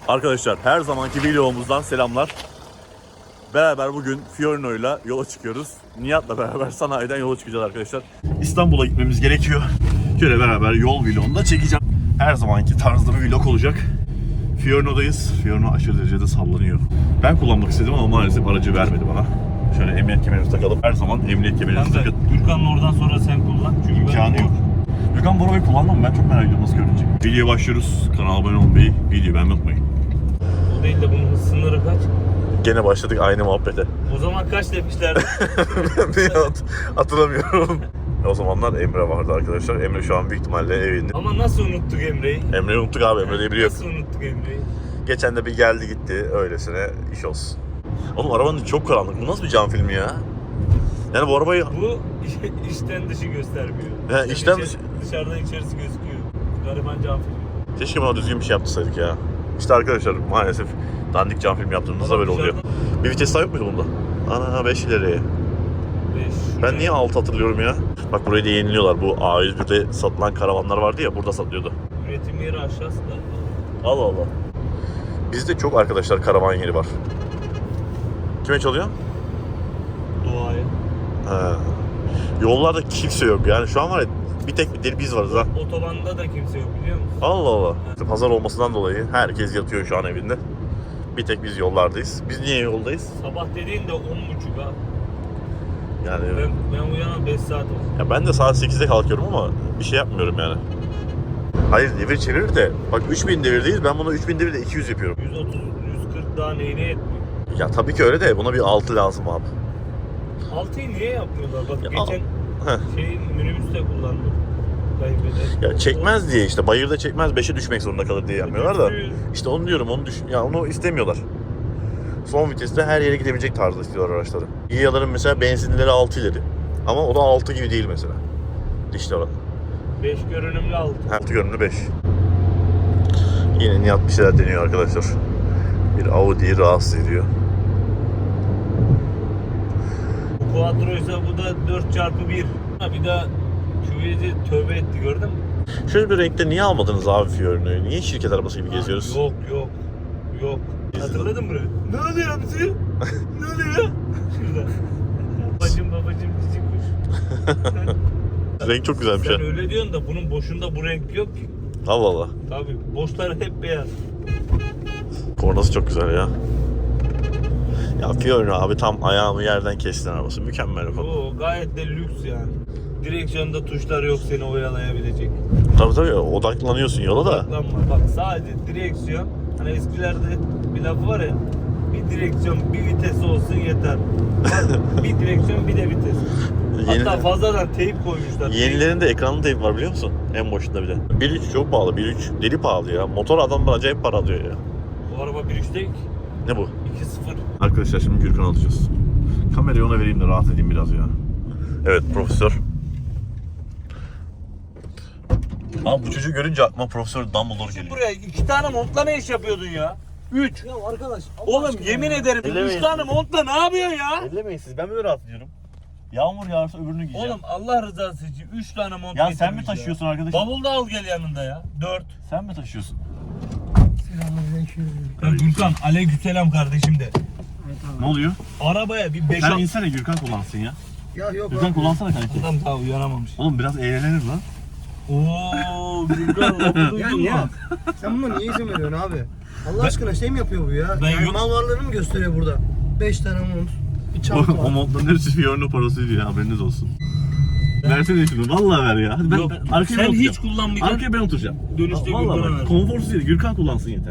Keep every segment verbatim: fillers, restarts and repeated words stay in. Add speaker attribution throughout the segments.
Speaker 1: Arkadaşlar her zamanki vlogumuzdan selamlar. Beraber bugün Fiorino ile yola çıkıyoruz. Nihat'la beraber sanayiden yola çıkacağız arkadaşlar. İstanbul'a gitmemiz gerekiyor. Şöyle beraber yol vlogunu da çekeceğim. Her zamanki tarzda bir vlog olacak. Fiorino'dayız. Fiorino aşırı derecede sallanıyor. Ben kullanmak istedim ama maalesef aracı vermedi bana. Şöyle emniyet kemerimizi takalım. Her zaman emniyet kemerimizi takın.
Speaker 2: Gürkan'ın oradan sonra sen kullan. Çünkü
Speaker 1: İmkanı yok. Gürkan bu arabayı kullandı mı? Ben çok merak ediyorum nasıl görünecek. Videoya başlıyoruz. Kanala abone olmayı, videoyu beğenmeyi unutmayın.
Speaker 2: O değil de bunun sınırı kaç?
Speaker 1: Gene başladık aynı muhabbete.
Speaker 2: O zaman kaç demişlerdi?
Speaker 1: Nihat, hatırlamıyorum. O zamanlar Emre vardı arkadaşlar. Emre şu an büyük ihtimalle evinde.
Speaker 2: Ama nasıl unuttuk Emre'yi?
Speaker 1: Emre'yi unuttuk abi, Emre diye biri yok.
Speaker 2: Nasıl unuttuk Emre'yi?
Speaker 1: Geçen de bir geldi gitti, öylesine iş olsun. Oğlum arabanın çok karanlık, bu nasıl bir cam filmi ya? Yani bu arabayı...
Speaker 2: Bu içten dışı göstermiyor.
Speaker 1: He, içten
Speaker 2: içe-
Speaker 1: dışı-
Speaker 2: Dışarıdan içerisi gözüküyor. Gariban cam filmi.
Speaker 1: Keşke bana düzgün bir şey yaptırsaydık ya. İşte arkadaşlar maalesef dandik cam film yaptığımızda
Speaker 2: Ama
Speaker 1: böyle oluyor.
Speaker 2: dışarıdan-
Speaker 1: Bir vites daha yok muydu bunda? Ana beş ileri.
Speaker 2: Beş.
Speaker 1: Ben niye altı hatırlıyorum ya? Bak burayı da yeniliyorlar. Bu A yüz bir'de satılan karavanlar vardı ya, burada satılıyordu.
Speaker 2: Üretim yeri aşağısı da.
Speaker 1: Allah Allah. Bizde çok arkadaşlar karavan yeri var. Kime çalıyor?
Speaker 2: Doğaya.
Speaker 1: Ha. Yollarda kimse yok yani şu an var ya bir tek bir deli biz varız ha.
Speaker 2: Otobanda da kimse yok biliyor musun?
Speaker 1: Allah Allah. İşte pazar olmasından dolayı herkes yatıyor şu an evinde. Bir tek biz yollardayız. Biz niye yoldayız?
Speaker 2: Sabah dediğin de on buçuk ha.
Speaker 1: Yani
Speaker 2: Ben, ben uyanan beş saat oldu.
Speaker 1: ya ben de saat sekizde kalkıyorum ama bir şey yapmıyorum yani. Hayır devir çevirir de bak üç bin devirdeyiz, ben bunu üç bin devirde iki yüz yapıyorum.
Speaker 2: yüz otuz yüz kırk daha neyine yetmiyor?
Speaker 1: Ya tabii ki öyle de buna bir altı lazım abi.
Speaker 2: altıyı niye yapmıyorlar? Bak
Speaker 1: Ya,
Speaker 2: geçen
Speaker 1: heh.
Speaker 2: şey minibüste kullandım. Kaybeder.
Speaker 1: Ya çekmez diye işte bayırda çekmez beşe düşmek zorunda kalır diye yapmıyorlar da.
Speaker 2: Düşüyor.
Speaker 1: İşte onu diyorum, onu düşün ya onu istemiyorlar. Son viteste her yere gidebilecek tarzda istiyorlar araçları. İyaların mesela benzinleri altı ileri. Ama o da altı gibi değil mesela. Dişli oran.
Speaker 2: beş görünümlü altı.
Speaker 1: Altı görünümlü beş. Yine Nihat bir şeyler deniyor arkadaşlar. Bir Audi'yi rahatsız ediyor.
Speaker 2: Bu Quattro'ysa bu da dört çarpı bir. Bir daha Q yedi tövbe etti gördün mü?
Speaker 1: Şöyle bir renkte niye almadınız abi Fiorino'yu? Niye şirket arabası gibi geziyoruz?
Speaker 2: Yok yok. Yok. Hatırladın mı? Ne oluyor hamsi? Ne oluyor? Şurada. Babacım babacım cici kuş.
Speaker 1: Renk çok güzelmiş
Speaker 2: Sen
Speaker 1: ha.
Speaker 2: öyle diyorsun da bunun boşunda bu renk yok ki.
Speaker 1: Allah Allah.
Speaker 2: Tabii boşları hep beyaz.
Speaker 1: Kornası çok güzel ya. Ya Fiorino abi tam ayağımı yerden kestin arabası. Mükemmel bir konu.
Speaker 2: O gayet de lüks yani. Direksiyonda tuşlar yok seni oyalayabilecek.
Speaker 1: Tabii tabii odaklanıyorsun yola da.
Speaker 2: Odaklanma. Bak sadece direksiyon. Hani eskilerde bir lafı var ya. Bir direksiyon bir vitesi olsun yeter. Bak, bir direksiyon bir de vites.
Speaker 1: Yeni,
Speaker 2: Hatta fazladan teyp koymuşlar.
Speaker 1: yenilerinde ekranlı teyp var biliyor musun? En başında bir de. bir üç çok pahalı. bir üç deli pahalı ya. Motor adamlar acayip para alıyor ya.
Speaker 2: Bu araba bir üç değil ki.
Speaker 1: Ne bu?
Speaker 2: iki sıfır.
Speaker 1: Arkadaşlar şimdi Gürkan alacağız. Kamerayı ona vereyim de rahat edeyim biraz ya. Evet profesör. Abi bu çocuğu görünce aklıma Profesör Dumbledore geliyor.
Speaker 2: Buraya iki tane montla ne iş yapıyordun ya? Üç.
Speaker 3: Ya arkadaş.
Speaker 2: Oğlum yemin ederim
Speaker 1: Ellemeyin.
Speaker 2: üç tane montla ne yapıyorsun ya?
Speaker 1: Ellemeyin siz, ben böyle rahatlıyorum. Yağmur yağarsa öbürünü giyeceğim.
Speaker 2: Oğlum Allah rızası için üç tane mont
Speaker 1: ya sen
Speaker 2: getirmiş
Speaker 1: mi taşıyorsun arkadaşım?
Speaker 2: Bavul da al gel yanında ya. Dört.
Speaker 1: Sen mi taşıyorsun?
Speaker 3: Selamünaleyküm.
Speaker 2: Ya Gürkan aleykümselam kardeşim de.
Speaker 1: Ne oluyor?
Speaker 2: Arabaya bir beş
Speaker 1: Sen
Speaker 2: al.
Speaker 1: insene Gürkan kullansın ya.
Speaker 3: Ya yok
Speaker 1: Gürkan
Speaker 3: abi.
Speaker 1: kullansana kanki.
Speaker 2: Adam daha uyanamamış.
Speaker 1: Oğlum biraz eğlenir lan.
Speaker 2: Oo Gürkan lafı
Speaker 3: Ya
Speaker 2: duydun
Speaker 3: niye?
Speaker 2: mu?
Speaker 3: Sen buna niye izin veriyorsun abi? Allah aşkına şey mi yapıyor bu ya?
Speaker 2: Ben
Speaker 3: yani
Speaker 2: yok-
Speaker 3: mal varlığını mı gösteriyor burada? beş tane mont. Bir
Speaker 1: O,
Speaker 3: çanta
Speaker 1: o
Speaker 3: var.
Speaker 1: montların hepsi Fiorino parası diyor, haberiniz olsun. Versene şunu, vallahi ver ya. Hadi ben,
Speaker 2: Yok,
Speaker 1: ben arkaya ben
Speaker 2: sen
Speaker 1: oturacağım.
Speaker 2: hiç kullanmayacaksın.
Speaker 1: Arkaya ben oturacağım.
Speaker 2: Dönüşte
Speaker 1: Vallahi
Speaker 2: Gürkan'a
Speaker 1: bak,
Speaker 2: ver.
Speaker 1: konforsuz değil, Gürkan kullansın yeter.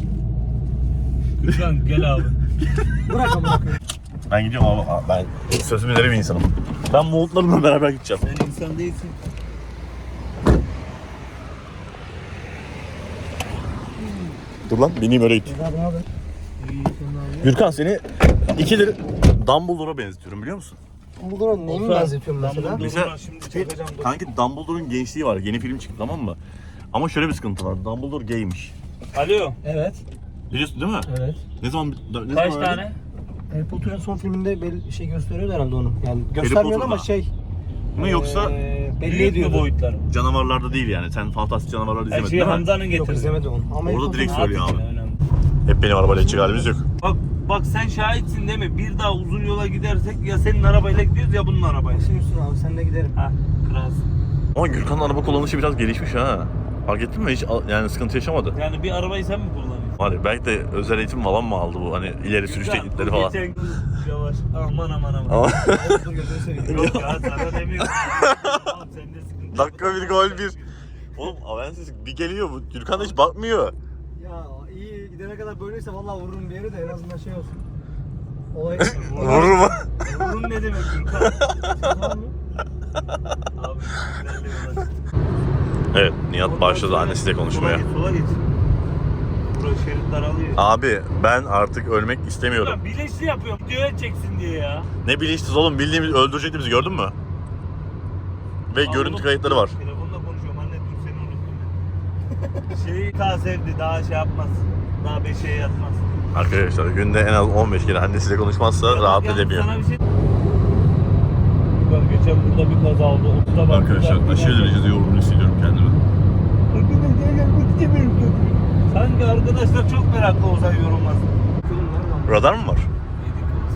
Speaker 2: Gürkan gel abi.
Speaker 3: Bırak ama bırak.
Speaker 1: Ben gidiyorum abi, Aa, ben sözümü veren bir insanım. Ben montlarımla beraber gideceğim.
Speaker 2: Sen insan değilsin.
Speaker 1: Dur lan, bineyim öyle git.
Speaker 3: Abi ne haber?
Speaker 2: İyi.
Speaker 1: Gürkan seni ikidir Dumbledore'a benzetiyorum biliyor musun?
Speaker 3: Bu durum neyi mi
Speaker 2: Olsa-
Speaker 3: benzetiyorsun mesela?
Speaker 2: Dumbledore-
Speaker 1: Mesela
Speaker 2: Dur, şimdi çekeceğim, dur.
Speaker 1: kanki Dumbledore'un gençliği var, yeni film çıktı tamam mı? Ama şöyle bir sıkıntı var, Dumbledore gaymiş.
Speaker 2: Alo.
Speaker 3: Evet.
Speaker 1: Biliyorsun değil mi?
Speaker 3: Evet.
Speaker 1: Ne zaman ne
Speaker 2: Kaç
Speaker 1: zaman
Speaker 2: tane?
Speaker 3: Harry Potter'ın son filminde belli şey gösteriyordu herhalde onu. Yani göstermiyor ama
Speaker 1: Potter'da.
Speaker 3: şey.
Speaker 1: mi yoksa
Speaker 3: eee, belli
Speaker 2: Büyük mü
Speaker 3: ediyordu.
Speaker 2: boyutları?
Speaker 1: canavarlarda değil yani. Sen fantastik canavarları
Speaker 2: Her
Speaker 1: izlemedin
Speaker 2: şeyi
Speaker 1: değil mi?
Speaker 2: Hamza'nın
Speaker 3: Yok
Speaker 2: getirdi.
Speaker 3: izlemedim onu. Ama Harry
Speaker 1: Orada
Speaker 3: Potter'ın-
Speaker 1: direkt söylüyor abi.
Speaker 2: Önemli.
Speaker 1: Hep benim arabayla gidecek halimiz yok.
Speaker 2: Bak bak sen şahitsin değil mi? Bir daha uzun yola gidersek ya senin arabayla gidiyoruz ya bunun arabayla.
Speaker 3: Şimdi üstüne abi seninle giderim.
Speaker 2: Ha, kralsın.
Speaker 1: Ama Gürkan'ın araba kullanışı biraz gelişmiş ha. Fark ettin mi? Hiç al- yani sıkıntı yaşamadı.
Speaker 2: Yani bir arabayı sen mi kullanıyorsun?
Speaker 1: Hani belki de özel eğitim falan mı aldı bu? Hani ileri sürüş
Speaker 2: Ya,
Speaker 1: teknikleri
Speaker 2: bu
Speaker 1: falan.
Speaker 2: geçen gün- Yavaş. Aman aman aman.
Speaker 1: Ama
Speaker 3: Dur gözünü seveyim.
Speaker 2: Yok ya sana demiyorum. Tamam sende sıkıntı.
Speaker 1: dakika bir gol bir. Oğlum Avensis bir geliyor bu. Gürkan da hiç bakmıyor.
Speaker 3: Ya iyi gidene kadar böyleyse vallahi vururum bir yere de en azından şey olsun. Olay
Speaker 1: Vurur mu?
Speaker 2: Bunun ne demek Gürkan?
Speaker 3: tamam mı?
Speaker 2: Abi güzel bir yol.
Speaker 1: Evet, Nihat başladı annesiyle konuşmaya.
Speaker 2: Sola geç, sola geç. Burası şerit daralıyor.
Speaker 1: Abi ben artık ölmek istemiyorum.
Speaker 2: Ya bilinçli yapıyorum. Videoya çeksin diye ya.
Speaker 1: Ne bilinçsiz oğlum, bildiğimiz öldürecekti bizi, gördün mü? Ve
Speaker 2: Aa,
Speaker 1: görüntü
Speaker 2: oğlum,
Speaker 1: kayıtları var.
Speaker 2: Telefonla konuşuyorum anne, dur seni unuttum. Şeyi daha sevdi, daha şey yapmaz. Daha beşiğe yatmaz.
Speaker 1: Arkadaşlar günde en az on beş kere annesiyle konuşmazsa
Speaker 2: Ya bak
Speaker 1: rahat
Speaker 2: yalnız
Speaker 1: edemiyor.
Speaker 2: Sana bir şey... Bak geçen burada bir kaza oldu. otuza bak.
Speaker 1: derecede yorgun hissediyorum kendimi.
Speaker 2: Sanki arkadaşlar çok meraklı olsa yorulmaz.
Speaker 3: Film var mı?
Speaker 1: Radar mı var?
Speaker 2: Yedik olsa.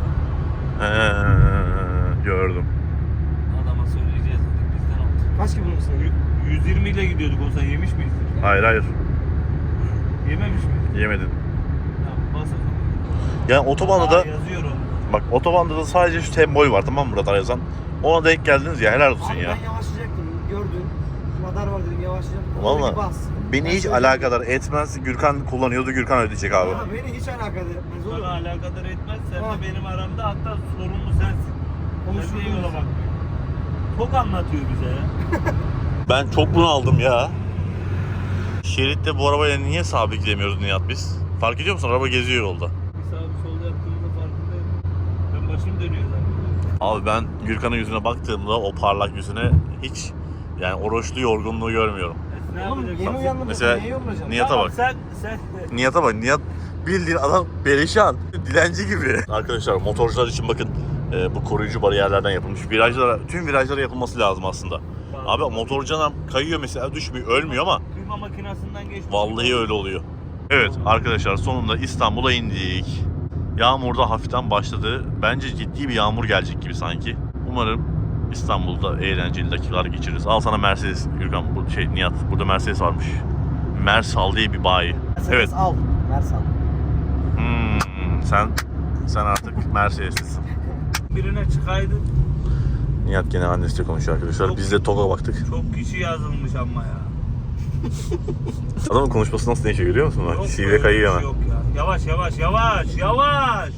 Speaker 1: He, gördüm.
Speaker 2: Adama söyleyeceğiz dedik bizden oldu.
Speaker 3: Kaç gibi mısın?
Speaker 2: Y- yüz yirmi ile gidiyorduk olsa yemiş miyiz?
Speaker 1: Hayır hayır,
Speaker 2: Yememiş miyiz?
Speaker 1: yemedin.
Speaker 2: Tamam bas o zaman.
Speaker 1: Yani otobanda da
Speaker 2: Aa, yazıyor o.
Speaker 1: bak, otobanda da sadece şu sembol var, tamam mı, radar yazan. Ona denk geldiniz ya, helal olsun
Speaker 3: Abi
Speaker 1: ya.
Speaker 3: ben yavaşlayacaktım. Gördün. Radar var dedim yavaşlayacaktım.
Speaker 1: Vallahi
Speaker 3: Orada bir bas.
Speaker 1: beni
Speaker 3: Ben
Speaker 1: hiç
Speaker 3: söyleyeyim.
Speaker 1: alakadar etmez. Gürkan kullanıyordu, Gürkan ödeyecek abi.
Speaker 3: Ama beni hiç alakadar etmez oğlum.
Speaker 2: Sana alakadar etmez. Sen
Speaker 3: Ha.
Speaker 2: de benim aramda, hatta sorumlu sensin.
Speaker 3: Konuşuruz.
Speaker 2: Sen de yola bak. Çok anlatıyor bize ya.
Speaker 1: Ben çok bunu aldım ya. Şeritte bu arabayla niye sabit gidemiyoruz Nihat biz? Fark ediyor musun? Araba geziyor yolda.
Speaker 2: Bir sağ bir solda yaptığımızda farkındayım. Ben başım dönüyor zaten.
Speaker 1: Abi ben Gürkan'ın yüzüne baktığımda o parlak yüzüne hiç yani oruçlu yorgunluğu görmüyorum.
Speaker 2: E, ne
Speaker 3: Oğlum
Speaker 2: yapacaksın?
Speaker 3: yeni uyandım.
Speaker 1: Mesela
Speaker 3: Neye yorulacağım?
Speaker 1: Nihat'a
Speaker 2: Tamam,
Speaker 1: bak.
Speaker 2: Sen, sen
Speaker 1: Nihat'a bak. Nihat bildiğin adam perişan. Dilenci gibi. Arkadaşlar motorcular için bakın, e, bu koruyucu bariyerlerden yapılmış. Virajlara, tüm virajlara yapılması lazım aslında. Abi motorcu adam kayıyor mesela, düşmüyor, ölmüyor ama
Speaker 2: kıyma makinesinden geçmiş.
Speaker 1: vallahi öyle oluyor. Evet arkadaşlar, sonunda İstanbul'a indik. Yağmur da hafiften başladı. Bence ciddi bir yağmur gelecek gibi sanki. Umarım İstanbul'da eğlenceli dakikalar geçiririz. Al sana Mercedes Gürkan, bu şey Nihat. Burada Mercedes varmış. Mersal diye bir bayi.
Speaker 3: Mercedes
Speaker 1: Evet.
Speaker 3: al. Mercedes al.
Speaker 1: Hmm, sen sen artık Mercedes'lisin.
Speaker 2: Birine çıkaydın.
Speaker 1: Nihat gene annesiyle konuşuyor arkadaşlar.
Speaker 2: Çok-
Speaker 1: Biz de TOG'a baktık.
Speaker 2: Çok kişi yazılmış ama ya.
Speaker 1: Adamın konuşması nasıl değişiyor görüyor musun? Bak,
Speaker 2: Yok
Speaker 1: Sivri
Speaker 2: böyle
Speaker 1: kayıyor
Speaker 2: bir şey
Speaker 1: hemen.
Speaker 2: Yok ya. Yavaş yavaş yavaş yavaş.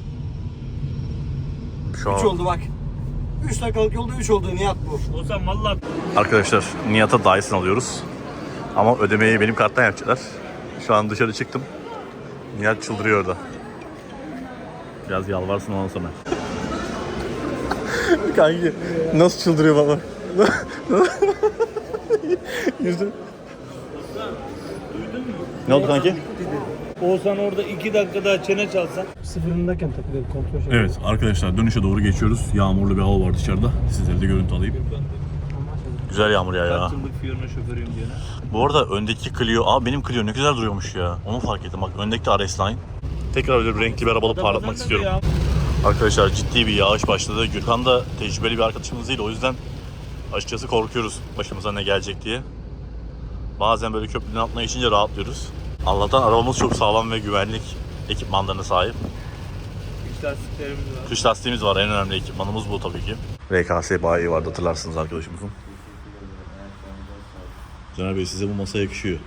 Speaker 1: Şu
Speaker 3: üç
Speaker 1: an
Speaker 3: oldu bak. üç dakikalık yolda üç oldu Nihat bu.
Speaker 2: Olsam valla
Speaker 1: arkadaşlar Nihat'a Dyson alıyoruz. Ama ödemeyi benim karttan yapacaklar. Şu an dışarı çıktım. Nihat çıldırıyor orada. Biraz yalvarsın ondan sonra. Kanki nasıl çıldırıyor baba? Yüzü.
Speaker 2: duydun mu?
Speaker 1: Ne oldu kanki?
Speaker 2: Olsan orada iki dakika daha çene çalsan.
Speaker 3: Sıfırındayken takılıyor kontrol şey.
Speaker 1: Evet arkadaşlar, dönüşe doğru geçiyoruz. Yağmurlu bir hava var dışarıda. Sizlere de görüntü alayım. Güzel yağmur ya ya.
Speaker 2: Kaç yıllık Fiorino şoförüyüm diye.
Speaker 1: Bu arada öndeki Clio, aa benim Clio ne güzel duruyormuş ya. Onu fark ettim. Bak öndeki de R S Line. Tekrar öyle bir renkli bir arabalı parlatmak istiyorum. Arkadaşlar ciddi bir yağış başladı. Gürkan da tecrübeli bir arkadaşımız değil. O yüzden açıkçası korkuyoruz başımıza ne gelecek diye. Bazen böyle köprünün altına geçince rahatlıyoruz. Allah'tan arabamız çok sağlam ve güvenlik ekipmanlarına sahip.
Speaker 2: İç lastiklerimiz var.
Speaker 1: Kış lastiğimiz var, en önemli ekipmanımız bu tabii ki. R K S bayi vardı, hatırlarsınız arkadaşımızın. Caner Bey, size bu masa yakışıyor.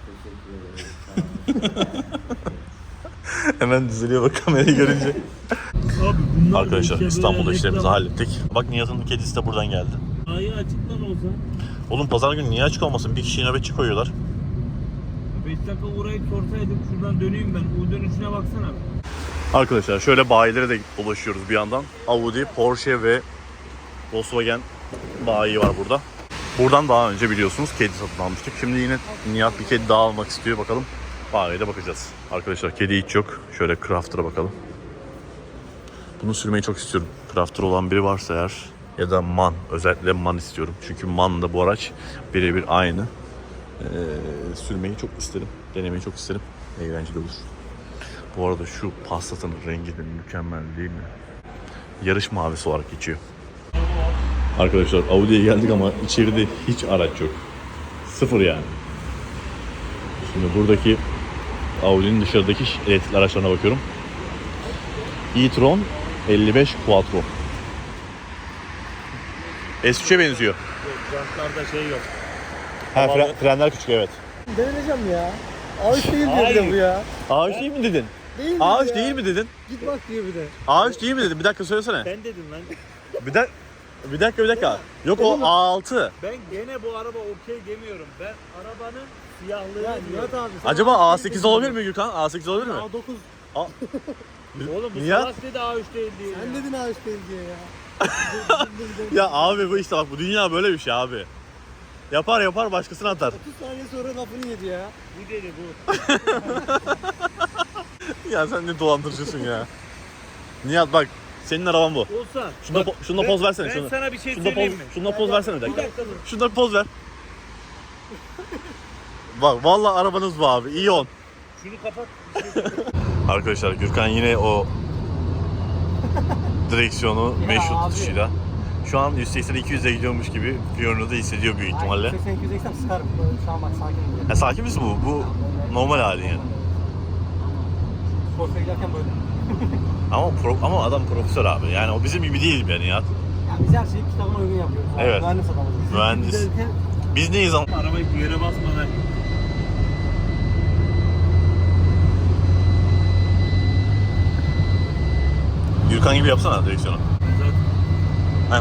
Speaker 1: Hemen düzeliyor bak kamerayı görünce.
Speaker 2: Abi bunlar
Speaker 1: Arkadaşlar
Speaker 2: da işte
Speaker 1: İstanbul'da
Speaker 2: böyle
Speaker 1: işlerimizi
Speaker 2: reklam-
Speaker 1: hallettik. Bak Nihat'ın kedisi de buradan geldi.
Speaker 2: Ayı açıktan olsa.
Speaker 1: Oğlum pazar günü niye açık olmasın? Bir kişiyi nöbetçi koyuyorlar.
Speaker 2: beş dakika uğrayıp sorsaydım şuradan döneyim ben. O dönüşüne baksana.
Speaker 1: Arkadaşlar şöyle bayilere de ulaşıyoruz bir yandan. Audi, Porsche ve Volkswagen bayi var burada. Buradan daha önce biliyorsunuz kedi satın almıştık. Şimdi yine Nihat bir kedi daha almak istiyor. Bakalım bayiye de bakacağız. Arkadaşlar kedi hiç yok. Şöyle Crafter'a bakalım. Bunu sürmeyi çok istiyorum. Crafter olan biri varsa eğer, ya da Man. Özellikle Man istiyorum. Çünkü Man da bu araç birebir aynı. Ee, sürmeyi çok isterim. Denemeyi çok isterim. Eğlenceli olur. Bu arada şu Passat'ın rengi de mükemmel değil mi? Yarış mavisi olarak geçiyor. Arkadaşlar Audi'ye geldik ama içeride hiç araç yok. Sıfır yani. Şimdi buradaki Audi'nin dışarıdaki elektrikli araçlarına bakıyorum. e-tron elli beş Quattro. S üç'e benziyor.
Speaker 2: Jantlarda şey yok.
Speaker 1: Ha, fren- frenler küçük, evet.
Speaker 3: Deneyeceğim ya. A üç değil diyor bir
Speaker 2: Hayır.
Speaker 3: de bu ya.
Speaker 1: A üç değil mi dedin?
Speaker 3: Değil mi
Speaker 1: A üç
Speaker 3: ya?
Speaker 1: değil mi dedin?
Speaker 3: Git bak diyor bir de.
Speaker 1: A üç değil mi dedin? Bir dakika söylesene.
Speaker 2: Ben dedim lan.
Speaker 1: Bir dakika. Bir dakika bir dakika. Yok o A altı.
Speaker 2: Ben gene bu araba okey demiyorum. Ben arabanın siyahlığını
Speaker 3: Ya
Speaker 2: diyorum.
Speaker 3: Nihat abi. sen
Speaker 1: Acaba
Speaker 3: A
Speaker 1: A
Speaker 3: üç
Speaker 1: sekiz
Speaker 3: değil
Speaker 1: olabilir
Speaker 3: dedin.
Speaker 1: mi Gürkan? A sekiz olabilir mi?
Speaker 3: A dokuz.
Speaker 2: Oğlum bu
Speaker 1: Nihat?
Speaker 2: salak dedi A üç değil diye.
Speaker 3: Sen
Speaker 2: ya.
Speaker 3: dedin A üç değil diye ya.
Speaker 1: Ya abi bu işte bak, bu dünya böyle bir şey abi. Yapar yapar başkasına atar.
Speaker 3: otuz saniye sonra lafını yedi ya.
Speaker 2: Bu dedi bu.
Speaker 1: Ya sen ne dolandırıcısın ya. Nihat bak, senin araban bu.
Speaker 2: Olsa.
Speaker 1: Şunda,
Speaker 2: bak,
Speaker 1: po- şunda
Speaker 2: ben-
Speaker 1: poz versene.
Speaker 2: Ben
Speaker 1: şunu.
Speaker 2: sana bir şey
Speaker 1: Şunda poz,
Speaker 2: söyleyeyim mi?
Speaker 1: şunda poz versene bir
Speaker 2: Bir
Speaker 1: dakika.
Speaker 2: dakika dur.
Speaker 1: Şunda bir poz ver. Bak vallahi arabanız bu abi. İyi on.
Speaker 2: Şunu kapat.
Speaker 1: Arkadaşlar Gürkan yine o direksiyonu
Speaker 3: Ya
Speaker 1: meşhur
Speaker 3: abi.
Speaker 1: tutuşuyla. Şu an yüz seksen iki yüze gidiyormuş gibi Fiorino'da hissediyor büyük ihtimalle.
Speaker 3: seksen iki yüz eksen sıkarım. Şu an bak sakin ol.
Speaker 1: Ha, sakin misin bu? Bu normal hali yani.
Speaker 3: Sport'a giderken böyle.
Speaker 1: Ama pro, ama adam profesör abi. Yani o bizim gibi değil yani ya.
Speaker 3: Ya biz her şeyi kitabına uygun yapıyoruz. abi.
Speaker 1: Evet.
Speaker 3: Mühendis adamız. Biz
Speaker 1: Mühendis.
Speaker 3: giderken
Speaker 1: Biz neyiz ama?
Speaker 2: Arabayı bir yere basmadan.
Speaker 1: Gürkan gibi yapsana direksiyonu. Ha.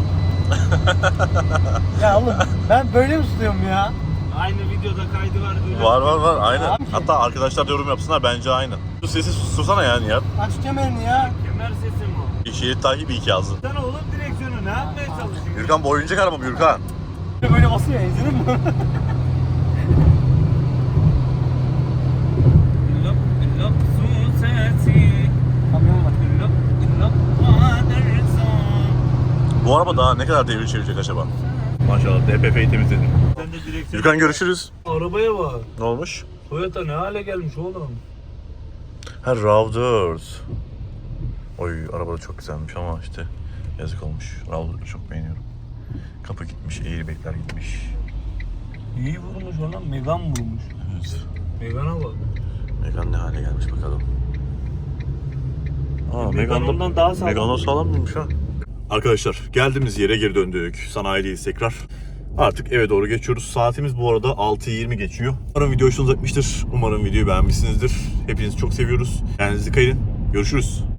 Speaker 3: Ya oğlum ben böyle mi tutuyorum ya?
Speaker 2: Aynı videoda kaydı var. Öyle.
Speaker 1: Var var var aynen.
Speaker 3: Abi.
Speaker 1: Hatta arkadaşlar da yorum yapsınlar, bence aynı. Şu sesi sustursana yani ya.
Speaker 3: Aç kemerini ya.
Speaker 2: Kemer sesi mi o?
Speaker 1: Şerit takibi iki yazdı.
Speaker 2: Sen oğlum direksiyonu ne yapmaya çalışıyorsun?
Speaker 1: Gürkan bu oyuncak araba mı Gürkan?
Speaker 3: Böyle basıyor ya, izledin mi?
Speaker 2: Lop lop su sesi.
Speaker 3: Kamyon var.
Speaker 2: Lop lop waterson.
Speaker 1: Bu araba daha ne kadar devir çevirecek acaba? Maşallah D P F'yi temizledin.
Speaker 2: Sen de direksiyon.
Speaker 1: Gürkan görüşürüz.
Speaker 2: Arabaya bak.
Speaker 1: Ne olmuş?
Speaker 2: Toyota ne hale gelmiş oğlum?
Speaker 1: Ha, RAV dört. Oy araba da çok güzelmiş ama işte yazık olmuş. RAV dört'ü çok beğeniyorum. Kapı gitmiş, airbag'ler gitmiş.
Speaker 2: İyi vurmuş ona, Megan vurmuş.
Speaker 1: Evet.
Speaker 2: Megan'a bak.
Speaker 1: Megane ne hale gelmiş bakalım. Aa,
Speaker 2: Megane
Speaker 1: Megane
Speaker 2: ondan daha sağlam.
Speaker 1: Megane sağlam mıymış ha? Arkadaşlar geldiğimiz yere geri döndük. Sanayideyiz tekrar. Artık eve doğru geçiyoruz. Saatimiz bu arada altı yirmi geçiyor. Umarım video hoşunuza gitmiştir. Umarım videoyu beğenmişsinizdir. Hepinizi çok seviyoruz. Kendinize dikkat edin. Görüşürüz.